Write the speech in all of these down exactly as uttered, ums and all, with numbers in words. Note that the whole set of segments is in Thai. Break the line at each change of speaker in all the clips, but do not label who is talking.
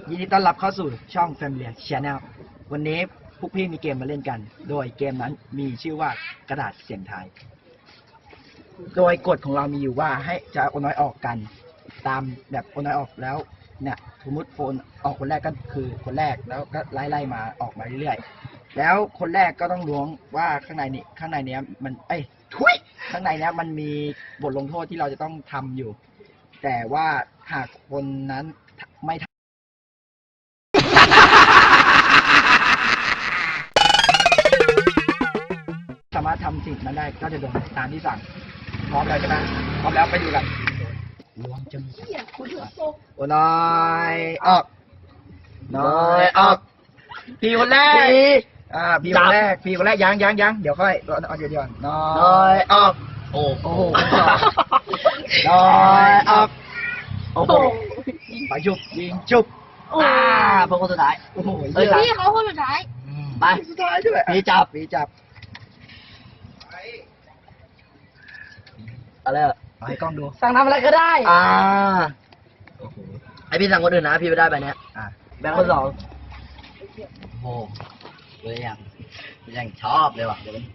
ยินดีต้อนรับเข้าสู่ช่อง Family Channel วันนี้พวกพี่มีเกมมาเล่นกัน โดยเกมนั้นมีชื่อว่ากระดาษเสียงทาย โดยกฎของเรามีอยู่ว่าให้จะโอนน้อยออกกัน ตามแบบโอนน้อยออกแล้วเนี่ยสมมติโอนออกคนแรกก็คือคนแรกแล้วก็ไล่ไล่มาออกมาเรื่อยๆแล้วคนแรกก็ต้องล้วงว่าข้างในนี้ข้างในเนี้ยมันเอ้ยทุยข้างในเนี้ยมันมีบทลงโทษที่เราจะต้องทำอยู่ แต่ว่าหากคนนั้นไม่สามารถทำสิ่งนั้นได้ก็จะโดนตามที่สั่งพร้อมแล้วใช่ไหมพร้อมแล้วไปดูกันล้วงจะมีโอ้น้อยออกน้อยออกพี่คนแรกอ่าพี่คนแรกพี่คนแรกยังยังยังเดี๋ยวค่อยเอาเดี๋ยวเดี๋ยวน้อยออกโอ้โหน้อยออกโอ้โหไปชุบยิงชุบอ่าพวกคนสุดท้ายโอ้โห
พี่เขาคนสุดท้าย
ไปสุดท้ายด้วยพี่จับพี่จับอะไรอ่ะให้กล้องดู
สั่งทำอะไรก็ได้
อ่า
โอ้โหไอพี่สั่งคนอื่นนะพี่ไม่ได้ไปเนี้ย
อ่าแบงค์คนสอง
โอ้เลยอย่างยังชอบเลยว่ะเดี๋ยวมัน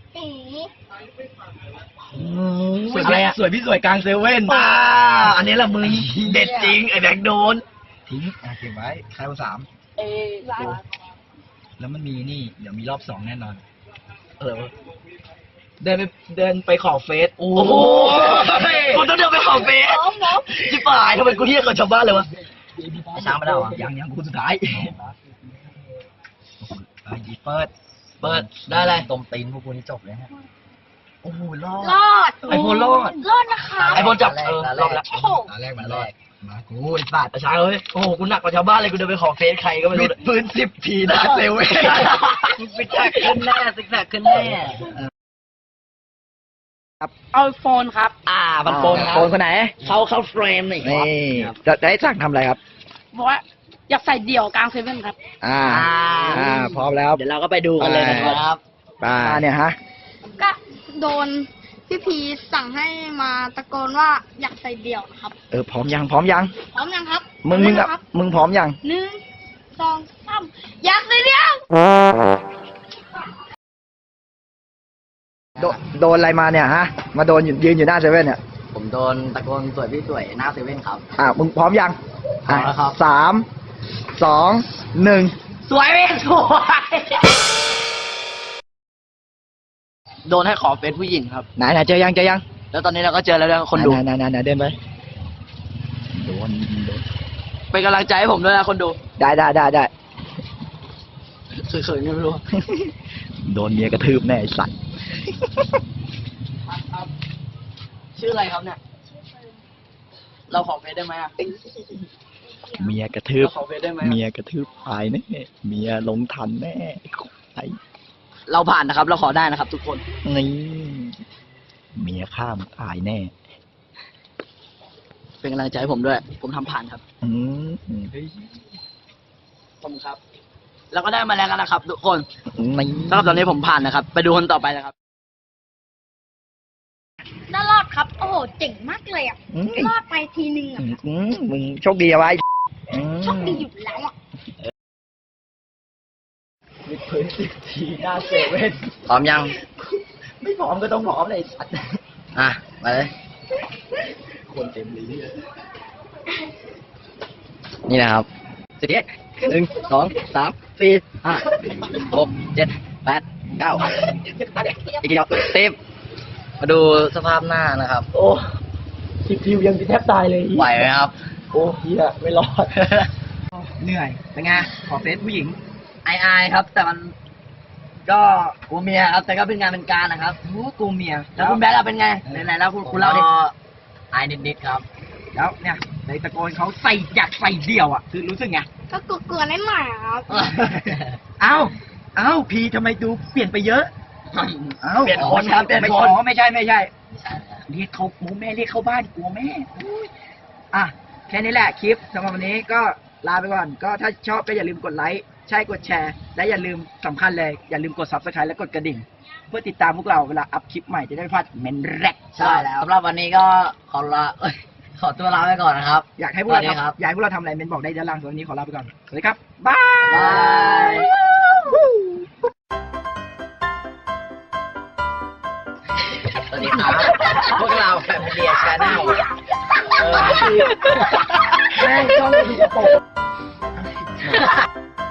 สวยอะไรอ่ะสวยพี่สวยกลางเซเว่น
ป้าอันนี้แหละมึงเด็ดจริงไอแบงค์โดน
ทิ้งอ่ะเก็บไว้ใครคนสาม
เออ
แล้วมันมีนี่เดี๋ยวมีรอบสองแน่นอนเออเดินไปเดินไปขอเฟซ
โอ้โหกูต้องเดินไปขอเฟซจิ๋ป่ายทำไมกูเที่ยงกับชาวบ้านเลยวะช้างไม่ได้หรอ
ยังยังกูสุดท้ายเปิด
เปิดได้เลยต้มตีนพวกกูนี่จบเลยฮะ
โอ้โหรอด
รอด
ไอโฟนรอด
รอดนะคะ
ไอโฟนจับเออรอดแล้ว
ตาแรกมันรอดมากูไอ้สัตว์
ช้างเลยโอ้โหกูหนักกว่าชาวบ้านเลยกูเดินไปขอเฟซใครก็ไม่รู้
ปืนสิบทีนะเซเว่น
ซิกแซกขึ้นแน่ซิกแซกขึ้นแน่
ครับเอาโฟนครับ
อ่ามันโฟน
โฟนคนไหน
เขาเขาเฟรมนี่
จะได้สั่งทำอะไรครับ
บอกว่าอยากใส่เดี่ยวกลางเซเว่นครับ
อ่าอ่าพร้อมแล้ว
เดี๋ยวเราก็ไปดูกันเลยนะครับ
ป้าเนี่ยฮะ
ก็โดนพี่พีสั่งให้มาตะโกนว่าอยากใส่เดี่ยวครับ
เออพร้อมยังพร้อมยัง
พร้อมยังครับ
มึงมึงอ่ะมึงพร้อมยัง
หนึ่งสองสามอยากใส่เดี่ยว
โดนโดนอะไรมาเนี่ยฮะมาโดนยืนอยู่หน้าเซเว่นเนี่ย
ผมโดนตะโกนสวยพี่สวยหน้าเซเว่นครับ
อ่ามึงพร้อมยัง
พร้อมแล้วครับ
สามสองหนึ่ง
สวยไหมสวยโดนให้ขอเฟซผู้หญิงครับ
ไหนไหนเจอยังเจอยัง
แล้วตอนนี้เราก็เจอแล้วคนดู
ไหนไหนไหนเดินไปโดนโดน
เป็นกำลังใจให้ผมด้วยนะคนดู
ได้ได้ได้ได้
เคยเคยไม่รู้
โดนเมียกระทืบแน่ไอ้สัตว์
ชื่ออะไรครับเนี่ยเราขอเฟซได้ไหมอ่ะ
เมียกระทืบเมียกระทืบตายแน่เมียลงทันแน่ไอ
เราผ่านนะครับ เราขอได้นะครับ ทุกคน
นี่เมียข้ามตายแน่
เป็นกำลังใจให้ผมด้วย ผมทำผ่านครับ
อืม
ผมครับแล้วก็ได้มาแล้วกันนะครับ ทุกคนสำหรับตอนนี้ผมผ่านนะครับไปดูคนต่อไปนะครับ
น่ารอดครับโอ้โหเจ๋งมากเลยอ่ะรอดไปทีนึงอ่ะ
มึงโชคดีเอาไว้
โชคดีอยู่แล้วอ่ะ
มีพื้นสิบทีหน้าเซเว่น
พร้อมยัง
ไม่พร้อมก็ต้องพร้อมเลยสัตว์
อ่ะมาเลย
คนเต็มลิ้น
นี่นะครับสิบเอ็ดหนึ่งสองสามสี่ห้าหกเจ็ดแปดเก้าอีกกี่ดอกสิบมาดูสภาพหน้านะครับ
โอ้สิบทียังแทบตายเลย
ไหวไหมครับ
โอ้เฮียไม่รอดเหนื่อยเป็นไงขอเฟซผู้หญิง
ไอไอครับแต่มันก็กูเมียครับแต่ก็เป็นงานเป็นการนะครับ
โอ้กูเมีย
แล้วคุณแบ๊กเป็นไงไหนๆแล้วคุณคุณเล่าดิไอนิดๆครับ
แล้วเนี่ยในตะโกนเขาใส่อยากใส่เดี่ยวอ่ะคือรู้สึกไง
ก็กลัวๆนิดหน่อยครับ
เอ้าเอ้าพีทำไมดูเปลี่ยนไปเยอะ
เอ้าเปลี่ยนคนครับเปลี่ยนคน
ไม่ใช่ไม่ใช่เรียกเขาโมแม่เรียกเข้าบ้านกลัวแม่อ่ะแค่นี้แหละคลิปสำหรับวันนี้ก็ลาไปก่อนก็ถ้าชอบก็อย่าลืมกดไลค์ใช่กดแชร์และอย่าลืมสำคัญเลยอย่าลืมกด ซับสไครบ์ และกดกระดิ่งเพื่อติดตามพวกเราเวลาอัพคลิปใหม่จะได้ไม่พลาดเมนแรก
ใช่แล้วสำหรับวันนี้ก็ขอลาขอตัวลาไปก่อนนะครับ
อยากให้พวกเรา
สวัสดีครับ
ทำอยากให้พวกเราทำอะไรเมนบอกได้ด้านล่างส่วนวันนี้ขอลาไปก่อน สวัสดีครับ บาย
บาย สวัสดีครับ พวกเราแฟมิเลียชาแนลเออ
แม่งช่องดูกระโปรง